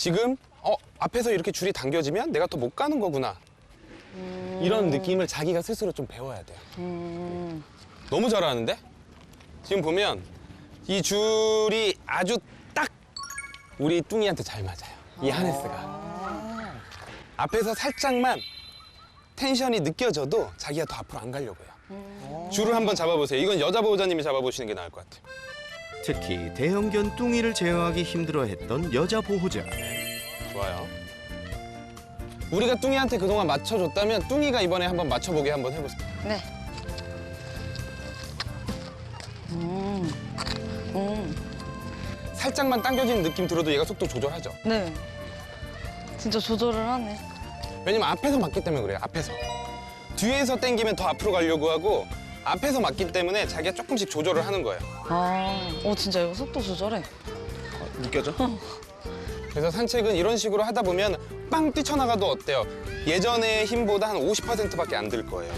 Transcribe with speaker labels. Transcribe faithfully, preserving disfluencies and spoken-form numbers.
Speaker 1: 지금 어 앞에서 이렇게 줄이 당겨지면 내가 더 못 가는 거구나.
Speaker 2: 음.
Speaker 1: 이런 느낌을 자기가 스스로 좀 배워야 돼요.
Speaker 2: 음.
Speaker 1: 너무 잘하는데? 지금 보면 이 줄이 아주 딱 우리 뚱이한테 잘 맞아요. 이 하네스가. 앞에서 살짝만 텐션이 느껴져도 자기가 더 앞으로 안 가려고 해요. 줄을 한번 잡아보세요. 이건 여자 보호자님이 잡아보시는 게 나을 것 같아요.
Speaker 3: 특히 대형견 뚱이를 제어하기 힘들어했던 여자 보호자.
Speaker 1: 좋아요. 우리가 뚱이한테 그동안 맞춰줬다면 뚱이가 이번에 한번 맞춰보게 한번 해보세요.
Speaker 2: 네. 음. 음.
Speaker 1: 살짝만 당겨지는 느낌 들어도 얘가 속도 조절하죠.
Speaker 2: 네. 진짜 조절을 하네.
Speaker 1: 왜냐면 앞에서 맞기 때문에 그래요. 앞에서. 뒤에서 당기면 더 앞으로 가려고 하고 앞에서 맞기 때문에 자기가 조금씩 조절을 하는 거예요.
Speaker 2: 아, 어 진짜 이거 속도 조절해.
Speaker 1: 느껴져? 그래서 산책은 이런 식으로 하다 보면 빵 뛰쳐나가도 어때요? 예전의 힘보다 한 오십 퍼센트밖에 안 들 거예요.